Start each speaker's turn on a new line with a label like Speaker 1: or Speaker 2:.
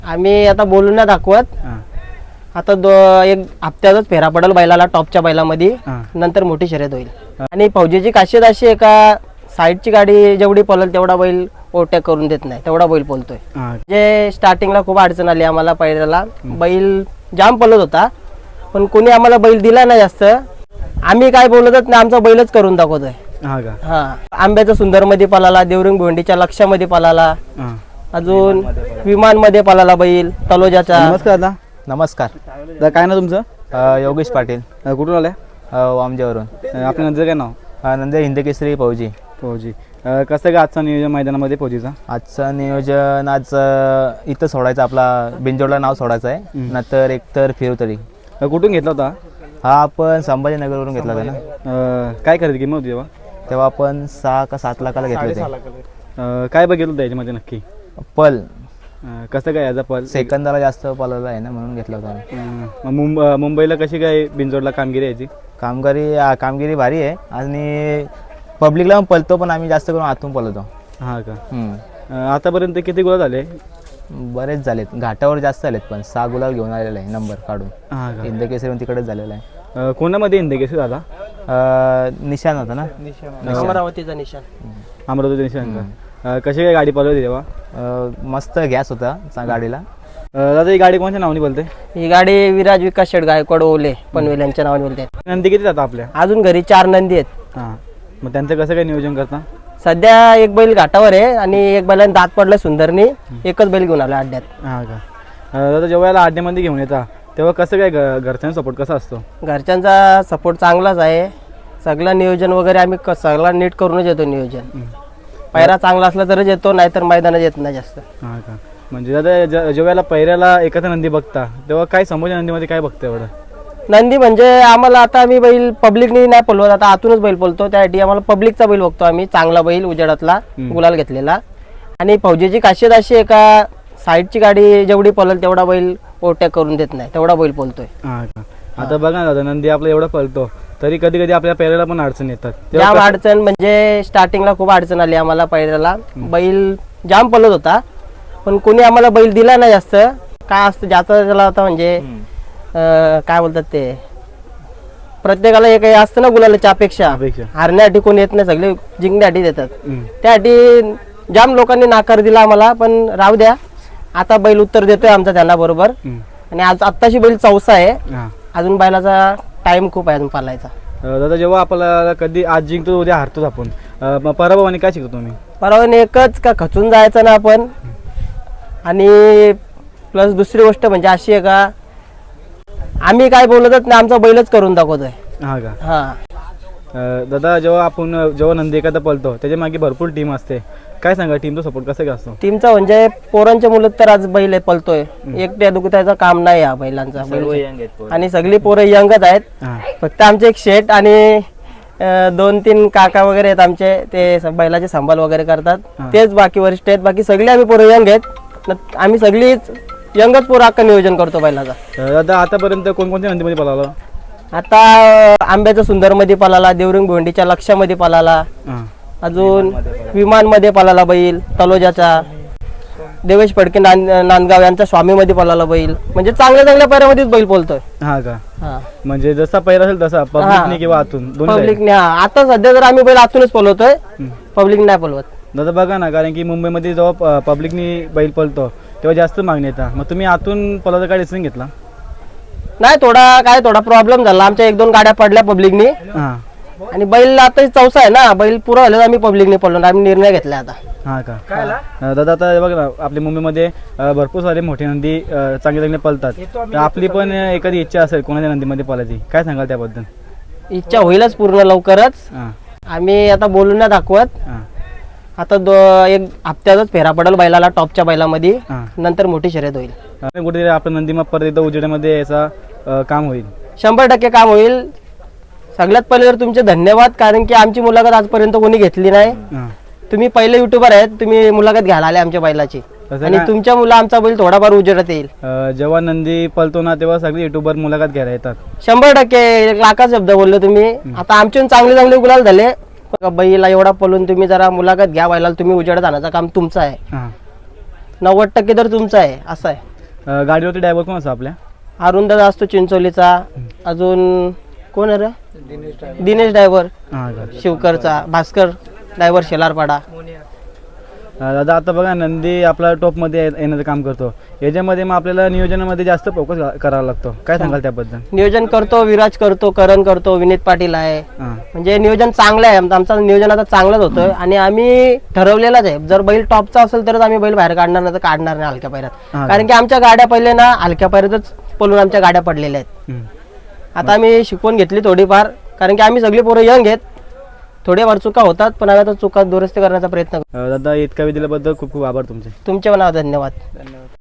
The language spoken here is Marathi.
Speaker 1: आम्ही आता बोलून नाही दाखवत. आता एक हप्त्यातच फेरा पडेल बैलाला टॉपच्या बैलामध्ये, नंतर मोठी शर्यत होईल. आणि फौजीची खासियत अशी आहे का साईडची गाडी जेवढी पळेल तेवढा बैल ओव्हरटेक करून देत नाही, तेवढा बैल पळतोय. जे स्टार्टिंगला खूप अडचण आली आम्हाला, पहिल्याला बैल जाम पळत होता पण कोणी आम्हाला बैल दिला नाही जास्त. आम्ही काय बोलतच नाही, आमचा बैलच करून दाखवतोय. हा आंब्याचा सुंदर मध्ये पळाला, देवरिंग भोंडीच्या लक्षामध्ये पळाला, अजून विमान मध्ये पळाला बैल तलोजाचा.
Speaker 2: नमस्कार दादा.
Speaker 3: नमस्कार.
Speaker 2: काय ना तुमचं?
Speaker 3: योगेश पाटील.
Speaker 2: कुठून आले?
Speaker 3: वामजेवरून.
Speaker 2: आपल्या नंतर काय नाव?
Speaker 3: नंतर हिंदकेसरी फौजी.
Speaker 2: फौजी. कसं काय आजचं नियोजन मैदानामध्ये फौजीचा?
Speaker 3: आजचं नियोजन आज इथं सोडायचं, आपला बिंजोडला नाव सोडायचं आहे, नंतर एकतर फिरवतरी.
Speaker 2: कुठून घेतला होता
Speaker 3: हा आपण संभाजीनगरवरून घेतला होता ना.
Speaker 2: काय खरेदी किंमत होती तेव्हा?
Speaker 3: तेव्हा आपण 6 का 7 लाखाला घेतले होते.
Speaker 2: काय बघितलं होतं याच्यामध्ये नक्की?
Speaker 3: पल
Speaker 2: कसं काय याचा पल?
Speaker 3: सेकंदाला जास्त पलवला आहे ना, म्हणून घेतला होता.
Speaker 2: मुंबईला कशी काय बिंजोडला कामगिरी यायची?
Speaker 3: कामगिरी भारी आहे आणि पब्लिकला पण पलतो, पण आम्ही जास्त करून आतून पलवतो.
Speaker 2: हा का? आतापर्यंत किती गुलाल झाले?
Speaker 3: बरेच झालेत, घाटावर जास्त झालेत, पण 6 गुलाल घेऊन आलेला आहे नंबर काढून.
Speaker 2: हा का?
Speaker 3: हिंदकेसरी तिकडेच झालेला आहे.
Speaker 2: कोणामध्ये हिंदकेसरी झाला?
Speaker 3: निशाण होता ना,
Speaker 1: अमरावतीचा निशाण.
Speaker 2: अमरावती निशाण का? कशी काय गाडी पळवली तेव्हा?
Speaker 3: मस्त गॅस होता गाडीला.
Speaker 2: दादा ही गाडी कोणत्या नावाने बोलते?
Speaker 1: ही गाडी विराज विकास शेट गायकवाड ओले पनवेल यांच्या नावाने बोलते.
Speaker 2: नंदी किती जातात आपल्या?
Speaker 1: अजून घरी 4 नंदी आहेत.
Speaker 2: हां, मग त्यांचं कसं काय नियोजन करता?
Speaker 1: सध्या एक बैल घाटावर आहे आणि एक बैलाने दात पडला सुंदरनी, एकच बैल घेऊन आला अड्ड्यात.
Speaker 2: हां का? दादा जेव्हा याला अड्ड्यामध्ये घेऊन येता तेव्हा कसं काय घरच्यांचा सपोर्ट कसा असतो?
Speaker 1: घरच्यांचा सपोर्ट चांगलाच आहे. सगळं नियोजन वगैरे आम्ही सगळं नीट करूनच येतो नियोजन. पैरा चांगला असला तरच येतो, नाहीतर मैदानात येत नाही जास्त.
Speaker 2: हां का? म्हणजे दादा जेव्हा पैऱ्याला एखादा नंदी बघता तेव्हा काय समोरच्या नंदीमध्ये काय बघतं एवढं?
Speaker 1: नंदी म्हणजे आम्हाला आता आम्ही बैल पब्लिकनी नाही पळवत, आता आतूनच बैल पळतो. त्यासाठी आम्हाला पब्लिकचा बैल बघतो आम्ही, चांगला बैल उजेडातला गुलाल घेतलेला. आणि फौजीची खासियत अशी आहे का साईडची गाडी जेवढी पळेल तेवढा बैल ओव्हरटेक करून देत नाही, तेवढा बैल पळतोय.
Speaker 2: हां का? आता बघा ना दादा, नंदी आपला एवढा पळतो तरी कधी कधी आपल्या पैऱ्याला पण अडचण येतात.
Speaker 1: जाम अडचण म्हणजे स्टार्टिंगला खूप अडचण आली आम्हाला. पहिल्याला बैल जाम पळत होता पण कोणी आम्हाला बैल दिला नाही जास्त. काय असतं ज्याचा त्याला आता म्हणजे काय बोलतात ते, प्रत्येकाला एक असतं ना गुलालाची अपेक्षा. हारण्यासाठी कोणी येत नाही, सगळे जिंकण्यासाठी देतात. त्यासाठी जाम लोकांनी नाकार दिला आम्हाला, पण राहू द्या, आता बैल उत्तर देतोय आमचा त्यांना बरोबर. आणि आज आत्ताशी बैल 4 आहे, अजून बैलाचा टाइम खूप आहे अजून पालायचा.
Speaker 2: दादा जेव्हा आपल्याला कधी आज जिंकतो उद्या हारतोच आपण, पराभवाने काय शिकतो तुम्ही?
Speaker 1: परावाने एकच का खचून जायचं ना आपण. आणि प्लस दुसरी गोष्ट म्हणजे अशी आहे का आम्ही काय बोलतच नाही, आमचा बैलच करून दाखवतोय.
Speaker 2: हा का?
Speaker 1: हा
Speaker 2: दादा जेव्हा नंदी एखादा पळतो त्याच्या मागे भरपूर टीम असते, काय सांगा टीमचा सपोर्ट कसा काय असतो?
Speaker 1: टीमचा म्हणजे पोरांच्या मुलं तर आज बैल पळतोय, एकट्या दुखतायचं काम नाही या बैलांचा. आणि सगळी पोरं यंगच आहेत. फक्त आमचे एक शेट आणि 2-3 काका वगैरे आहेत आमचे, ते बैलाचे सांभाळ वगैरे करतात, तेच बाकी वरिष्ठ आहेत. बाकी सगळे आम्ही पोरं यंग आहेत, आम्ही सगळीच यंगच पोरं अख्खा नियोजन करतो बैलाचा.
Speaker 2: दादा आतापर्यंत कोणकोणत्या नंदीमध्ये पळाला?
Speaker 1: आता आंब्याचा सुंदर मध्ये पळाला, देवरिंग भोंडीच्या लक्षामध्ये पळाला, अजून विमान मध्ये पळाला बैल तलोजाचा, देवेश फडके नांदगाव यांच्या स्वामी मध्ये पळाला बैल. म्हणजे चांगल्या चांगल्या पैऱ्यामध्येच बैल पळतोय.
Speaker 2: हा का? म्हणजे जसा पैरा असेल तसा पब्लिकने किंवा आतून
Speaker 1: पब्लिकने. आता सध्या जर आम्ही बैल आतूनच पळवतोय, पब्लिक नाही पळवत.
Speaker 2: दादा बघा ना, कारण की मुंबईमध्ये जेव्हा पब्लिकनी बैल पळतो तेव्हा जास्त मागणी येतात, मग तुम्ही आतून पळायचा काय डिसिजन घेतला?
Speaker 1: नाही, थोडा प्रॉब्लेम झाला, आमच्या 1-2 गाड्या पडल्या पब्लिकनी. आणि बैल आता 4 आहे ना, बैल पुरा झालं, आम्ही पब्लिकने पळलो, आम्ही निर्णय घेतला आता.
Speaker 2: हा का? दादा आता बघा ना, आपल्या मुंबईमध्ये भरपूर सारे मोठे नंदी चांगले चांगले पळतात, तर आपली पण एखादी इच्छा असेल कोणाच्या नंदीमध्ये पळायची, काय सांगाल त्याबद्दल?
Speaker 1: इच्छा होईलच पूर्ण लवकरच. आम्ही आता बोलून नाही दाखवत. आता एक हप्त्यातच फेरा पडेल बैलाला टॉपच्या बैलामध्ये, नंतर मोठी शर्यत होईल.
Speaker 2: कुठेतरी आपलं नंदीमा परत एकदा उजेडामध्ये याचा काम होईल.
Speaker 1: 100% काम होईल. सगळ्यात पहिले तर तुमचे धन्यवाद, कारण की आमची मुलाखत आजपर्यंत कोणी घेतली नाही. तुम्ही पहिले युट्यूबर आहेत, तुम्ही मुलाखत घ्यायला आले आमच्या बैलाची, आणि तुमच्या मुलं आमचा बैल थोडाफार उजेडात येईल.
Speaker 2: जेव्हा नंदी पळतो ना तेव्हा सगळे युट्यूबर मुलाखत घ्यायला येतात.
Speaker 1: 100% 1 लाखाचा शब्द बोलले तुम्ही. आता आमचे चांगले गुलाल झाले. बैला एवढा पळून तुम्ही जरा मुलाखत घ्या बैलाला, तुम्ही उजेडात आणायचं काम तुमचं आहे. 90% तर तुमचं आहे, असं आहे.
Speaker 2: गाडीवरती ड्रायव्हर कोण असतो आपल्या?
Speaker 1: अरुंदादा असतो चिंचोलीचा, अजून कोण आहे रे? दिनेश ड्रायव्हर
Speaker 2: हां का.
Speaker 1: शिवकरचा, भास्कर ड्रायव्हर शेलारपाडा.
Speaker 2: दादा आता बघा नंदी आपला टॉपमध्ये येण्याचं काम करतो, याच्यामध्ये मग आपल्याला नियोजनामध्ये जास्त फोकस करावा लागतो, काय सांगाल त्याबद्दल?
Speaker 1: नियोजन करतो, विराज करतो, करण करतो, विनीत पाटील आहे.
Speaker 2: हां
Speaker 1: म्हणजे नियोजन चांगलं आहे, आमचं नियोजन आता चांगलंच होतं आणि आम्ही ठरवलेलंच आहे, जर बैल टॉपचा असेल तरच आम्ही बैल बाहेर काढणार, नाही तर काढणार नाही हलक्या पायऱ्यात.
Speaker 2: हा.
Speaker 1: कारण की आमच्या गाड्या पहिले ना हलक्या पायऱ्यातच पळून आमच्या गाड्या पडलेल्या आहेत. आता आम्ही शिकवून घेतली थोडीफार, कारण की आम्ही सगळी पोरं यंग आहेत, थोडेफार चुका होतात पण आम्ही आता चुका दुरुस्त करण्याचा प्रयत्न करतो.
Speaker 2: दादा इतका वेळ दिल्याबद्दल खूप खूप आभार तुमचे.
Speaker 1: तुमचे पण धन्यवाद.